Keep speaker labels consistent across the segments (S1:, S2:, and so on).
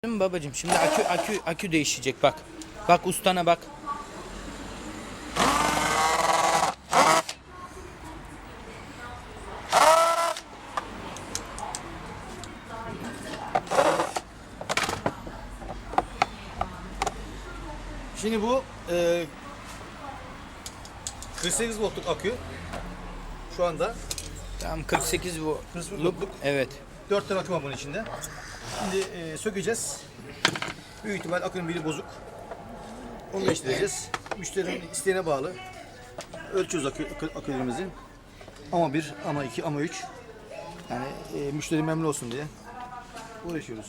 S1: Değil mi babacığım? Şimdi akü değişecek bak. Bak ustana bak.
S2: Şimdi bu 48 voltluk akü şu anda
S1: Tamam 48 bu.
S2: 48 voltluk.
S1: Evet.
S2: 4 tane akü var bunun içinde. Şimdi sökeceğiz. Büyük ihtimal akünün biri bozuk. Onu değiştireceğiz. Müşterinin isteğine bağlı. Ölçüyoruz akülerimizi. Ama 1, ama 2, ama 3. Yani müşteri memnun olsun diye uğraşıyoruz.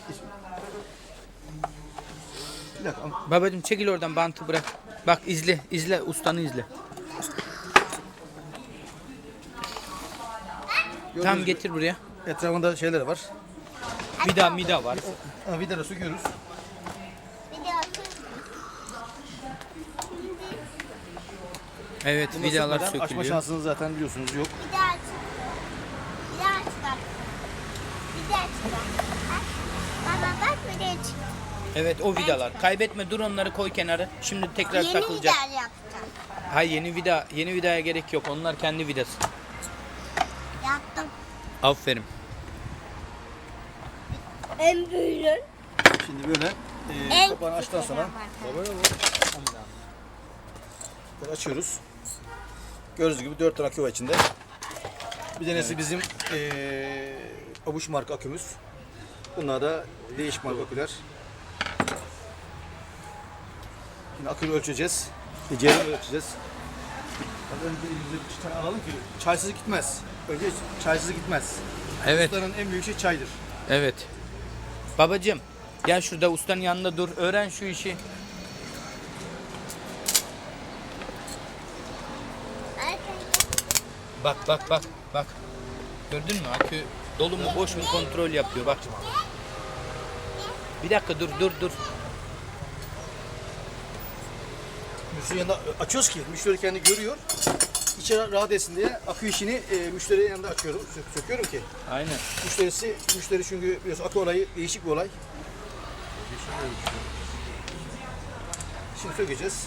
S2: Bir dakika.
S1: Babacığım çekil oradan, bantı bırak. Bak izle ustanı izle. Tam getir buraya.
S2: Etrafında şeyler var.
S1: Vida var.
S2: Vidaları söküyoruz.
S1: Evet,
S2: Bunu
S1: vidalar
S2: sökmeden açma
S1: sökülüyor.
S2: şansınız zaten biliyorsunuz yok.
S3: Bir daha aç. Bir daha aç bak. Bir daha aç bak. Baba bak bir daha çık.
S1: Evet, o vidalar. Kaybetme, dur onları koy kenara. Şimdi tekrar
S3: Yeni
S1: takılacak.
S3: gider yapacağım.
S1: Hayır, yeni vidaya gerek yok. Onlar kendi vidası.
S3: Yaptım.
S1: Aferin.
S3: En büyüğün.
S2: Şimdi böyle
S3: En
S2: kapağını açtıktan
S3: küçüğü
S2: sonra
S3: var.
S2: böyle açıyoruz. Gördüğünüz gibi 4 tane akü var içinde. Bir tanesi bizim Abuş marka akümüz. Bunlar da değişik marka aküler. Şimdi akülü ölçeceğiz. Ceyranı ölçeceğiz. Önce elimize bir tane alalım ki çaysız gitmez. Önce çaysız gitmez.
S1: Evet,
S2: Ustanın en büyük şey çaydır.
S1: evet. Babacığım, gel şurada ustanın yanında dur. Öğren şu işi. Bak. Gördün mü? Akü dolu mu boş mu kontrol yapıyor. Bak. Bir dakika dur.
S2: Müşterinin yanında açıyoruz ki müşteri kendi görüyor. İçeri rahat etsin diye akü işini müşterinin yanında açıyorum, söküyorum ki.
S1: Aynen.
S2: Müşteri çünkü biliyorsun akü olayı değişik bir olay. Şimdi sökeceğiz.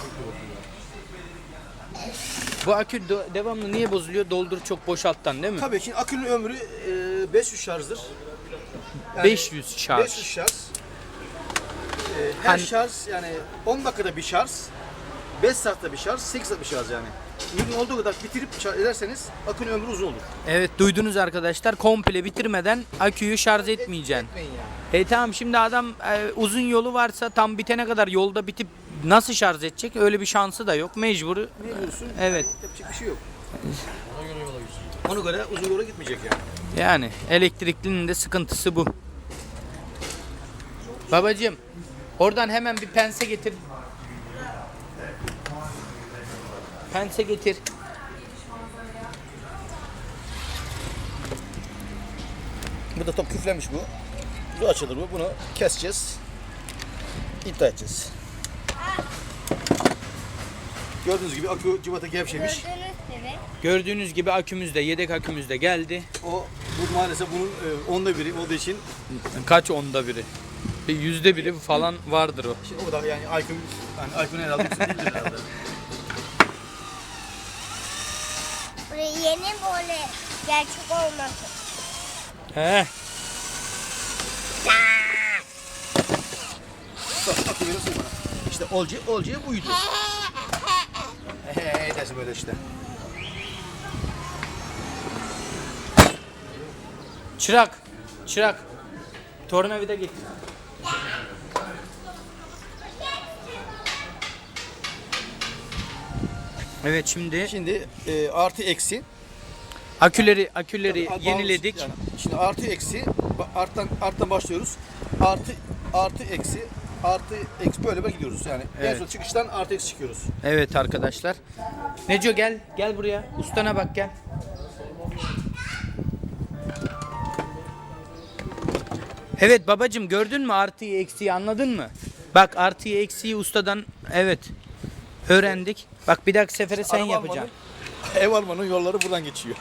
S1: Bu akü devamlı niye bozuluyor? Doldur çok boşalttan değil mi?
S2: Tabii ki akünün ömrü 500 şarjdır.
S1: 500 şarj.
S2: 500 şarj. Her
S1: Hani-
S2: şarj yani 10 dakikada bir şarj, 5 saatte bir şarj, 8 saat bir şarj yani. Mümkün olduğu kadar bitirip şarj ederseniz akünün ömrü uzun olur.
S1: Evet, duydunuz arkadaşlar. Komple bitirmeden aküyü şarj etmeyeceksin.
S2: Etmeyin yani.
S1: Tamam, şimdi adam uzun yolu varsa tam bitene kadar yolda bitip nasıl şarj edecek? Öyle bir şansı da yok. Mecbur.
S2: Mecbursun.
S1: Evet.
S2: Yapacak bir şey yok. Ona göre uzun yola gitmeyecek yani.
S1: Yani elektriklinin de sıkıntısı bu. Babacığım, oradan hemen bir pense getir. Pense getir.
S2: Bu da top küflenmiş bu. Bu açılır bu. Bunu keseceğiz. İddia edeceğiz. Gördüğünüz gibi akü cıvata gevşemiş.
S3: Gördüğünüz gibi.
S1: Gördüğünüz gibi akümüz de, yedek akümüz de geldi.
S2: Bu maalesef bunun onda biri olduğu için
S1: Kaç onda biri? Bir %1'i falan vardır o.
S2: şimdi o da yani Aykun herhalde değildir herhalde.
S3: Buraya yeni böyle gerçek olmasın.
S1: He.
S2: Bak akü veriyorsun bana. İşte olcuya buydu. Dersin böyle işte.
S1: Çırak. Tornavida getir. Evet,
S2: Şimdi artı eksi.
S1: aküleri
S2: Tabii,
S1: yeniledik.
S2: yani şimdi artı eksi arttan başlıyoruz. Artı eksi böyle gidiyoruz yani. En
S1: Evet.
S2: son çıkıştan artı eksi çıkıyoruz.
S1: Evet arkadaşlar. Neco gel buraya. Ustana bak, gel. Evet babacığım, gördün mü artıyı eksiği, anladın mı? Bak, artıyı eksiği ustadan öğrendik. Bak, bir dahaki sefere sen
S2: Araba
S1: yapacaksın.
S2: almadım. Ev almanın yolları buradan geçiyor.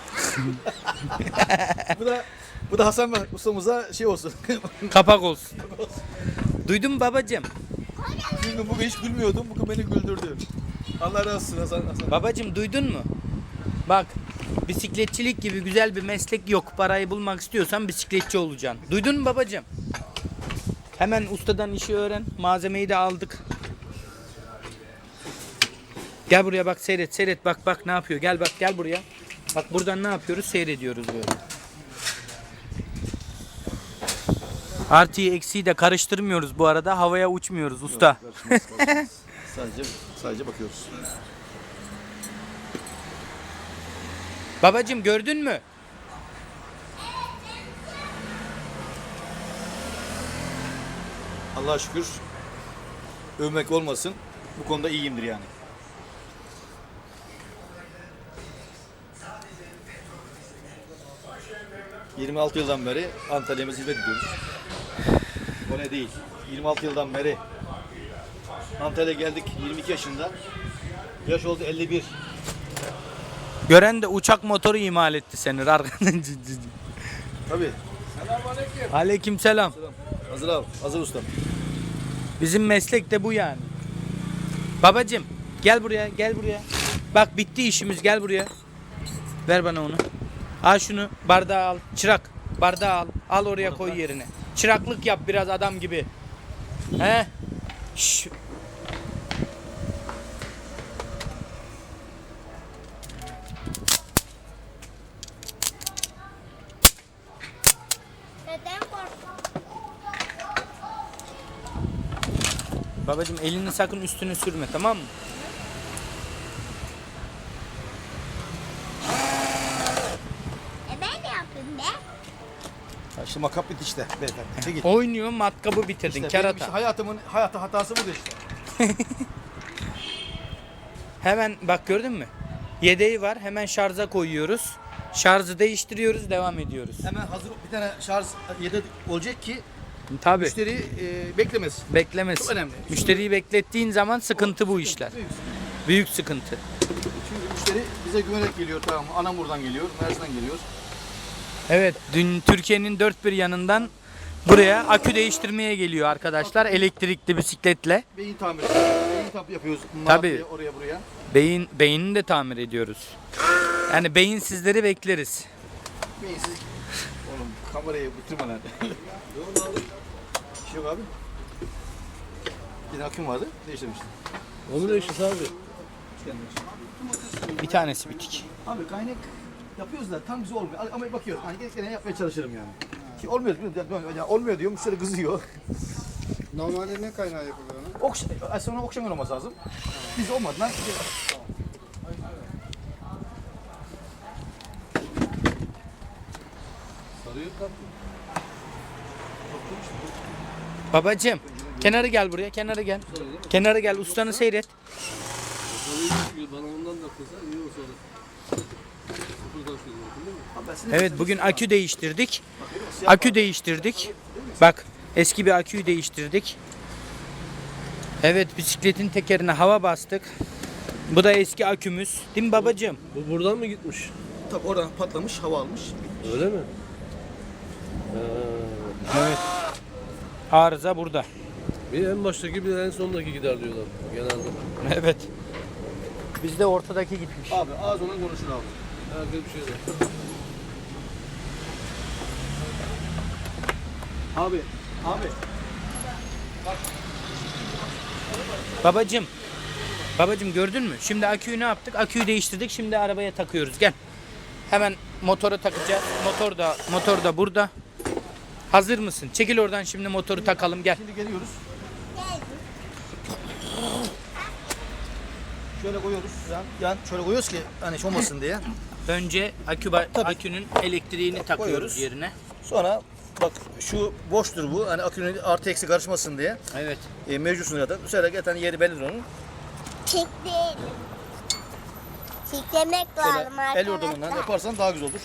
S2: bu da Hasan Bey ustamıza şey olsun.
S1: Kapak olsun. Duydun mu babacığım?
S2: Bugün hiç gülmüyordum. Bugün beni güldürdü. Allah razı olsun Hasan.
S1: Babacığım duydun mu? Bak, bisikletçilik gibi güzel bir meslek yok. Parayı bulmak istiyorsan bisikletçi olacaksın. Duydun mu babacığım? Hemen ustadan işi öğren. Malzemeyi de aldık. Gel buraya bak, seyret bak ne yapıyor. Gel bak, gel buraya. Bak buradan ne yapıyoruz? Seyrediyoruz böyle. Artıyı eksiği de karıştırmıyoruz bu arada. Havaya uçmuyoruz usta.
S2: Sadece bakıyoruz.
S1: Babacığım gördün mü?
S2: Allah'a şükür övmek olmasın. Bu konuda iyiyimdir yani. ...26 yıldan beri Antalya'ya hizmet ediyoruz. O ne değil. 26 yıldan beri Antalya'ya geldik 22 yaşında. Yaş oldu 51.
S1: Gören de uçak motoru imal etti seni.
S2: Tabii.
S1: Aleykümselam.
S2: Hazır abi. Hazır ustam.
S1: Bizim meslek de bu yani. Babacığım gel buraya, gel buraya. Bak bitti işimiz, gel buraya. Ver bana onu. Al şunu, bardağı al. Çırak, bardağı al. Al oraya koy yerine. Çıraklık yap biraz adam gibi. He? Şş.
S3: Neden korktun?
S1: Babacığım elini sakın üstüne sürme, tamam mı?
S3: Ben ne yapayım be?
S2: Ha, şimdi makap bitti işte. Beyefendi. Çekil.
S1: Oynuyor, matkabı bitirdin,
S2: İşte
S1: kerata.
S2: benim işte hayatımın hatası budur işte.
S1: Hemen bak gördün mü? Yedeği var, hemen şarja koyuyoruz. Şarjı değiştiriyoruz, devam ediyoruz.
S2: Hemen hazır bir tane şarj yedek olacak ki
S1: Tabii.
S2: müşteri beklemez.
S1: Beklemez.
S2: Çok önemli.
S1: Müşteriyi beklettiğin zaman sıkıntı bu işler. Büyük sıkıntı.
S2: Çünkü müşteri bize güvenerek geliyor, tamam mı? Anamur'dan geliyor, Mersin'den geliyor.
S1: Evet, dün Türkiye'nin dört bir yanından buraya akü değiştirmeye geliyor arkadaşlar elektrikli bisikletle.
S2: Beyin tamiri yapıyoruz.
S1: Tabii.
S2: Malatya'ya, oraya buraya.
S1: Beynini de tamir ediyoruz. Yani beyinsizleri bekleriz.
S2: Beyinsiz. Oğlum kamerayı bitirme lan. Bir şey yok abi. Bir de aküm vardı, değiştirmiştim.
S4: Onu değiştir abi.
S1: Bir tanesi bitik.
S2: Abi kaynak yapıyoruz da tam bize olmuyor. Ama bakıyoruz. Hani gene yapmaya çalışırım yani. Ki olmuyor, yani olmuyor diyor, müşteri kızıyor.
S4: Normalde ne kaynağı yapılıyor ona?
S2: Sonra okşamıyor olması lazım. Biz olmadı lan.
S4: Sarıyor tatlı.
S1: Babacığım, kenara gel buraya, kenara gel. Kenara gel, ustanı seyret.
S4: Sarıyor bana ondan da kısa iyi olsa da. Sıfırdan söylüyorsun değil mi?
S1: Evet, bugün akü değiştirdik. Akü değiştirdik. Bak, eski bir aküyü değiştirdik. Evet, bisikletin tekerine hava bastık. Bu da eski akümüz. Değil mi babacığım?
S4: Bu buradan mı gitmiş?
S2: Tabii oradan patlamış, hava almış.
S4: Öyle mi?
S1: Evet. Arıza burada.
S4: Bir en baştaki bir en sondaki gider diyorlar genelde.
S1: Evet. Bizde ortadaki gitmiş.
S2: Abi ağız olan konuşur abi.
S4: Herkes bir şey de.
S2: Abi.
S1: Babacığım gördün mü? Şimdi aküyü ne yaptık? Aküyü değiştirdik. Şimdi arabaya takıyoruz. Gel. Hemen motora takacağız. Motor da burada. Hazır mısın? Çekil oradan, şimdi motoru takalım. Gel.
S2: Şimdi geliyoruz.
S3: Geldim.
S2: Şöyle koyuyoruz. Yan şöyle koyuyoruz ki hani hiç olmasın diye.
S1: Önce akünün elektriğini takıyoruz
S2: Koyuyoruz.
S1: yerine.
S2: Sonra bak şu boştur bu. Hani akünün artı eksi karışmasın diye.
S1: Evet.
S2: Mevcutsun zaten. Bu sefer zaten yeri bellidir onun.
S3: Çekleyelim. Çeklemek lazım
S2: Şöyle el yordamından yaparsan daha güzel olur.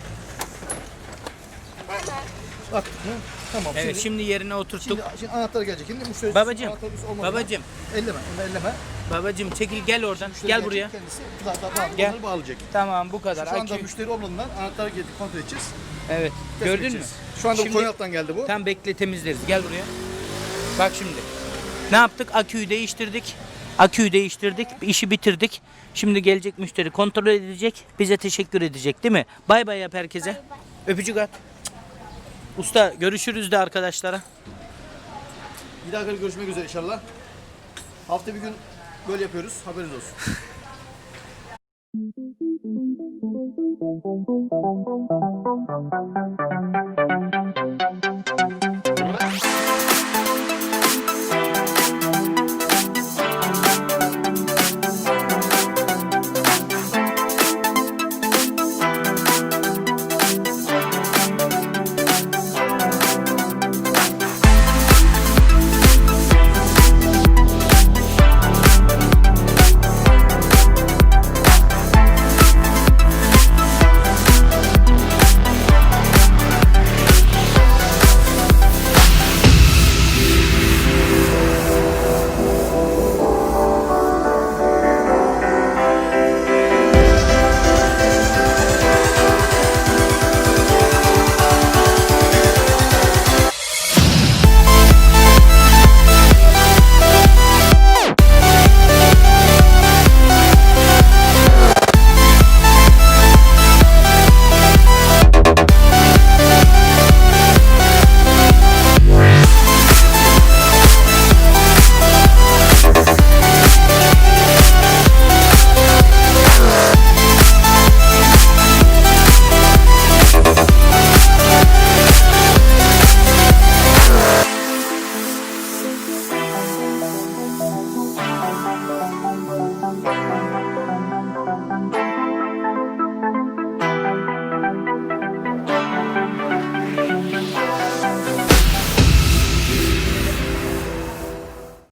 S2: Bak. Tamam.
S1: Evet, şimdi yerine oturttuk.
S2: Şimdi anahtar gelecek. Şimdi müşteri
S1: Babacığım,
S2: anahtarımız olmadan-
S1: babacığım.
S2: Elleme. Onu elleme.
S1: Babacım çekil gel oradan.
S2: Müşteri
S1: Gel
S2: gelecek,
S1: buraya.
S2: Kendisi zaten bağlı,
S1: Gel.
S2: onları bağlayacak.
S1: Tamam bu kadar.
S2: Şu anda
S1: Akü.
S2: müşteri olmadığından anahtarı getirip kontrol edeceğiz.
S1: Evet.
S2: Test
S1: Gördün mü?
S2: edeceğiz. Şu anda
S1: Şimdi-
S2: Konyaaltı'dan geldi bu.
S1: Tam bekle temizleriz. Gel buraya. Bak şimdi. Ne yaptık? Aküyü değiştirdik. Aküyü değiştirdik. İşi bitirdik. Şimdi gelecek müşteri kontrol edecek. Bize teşekkür edecek değil mi? Bay bay yap herkese.
S3: Bay bay.
S1: Öpücük at. Usta görüşürüz de arkadaşlara.
S2: Bir daha görüşmek üzere inşallah. Hafta bir gün böyle yapıyoruz. Haberiniz olsun.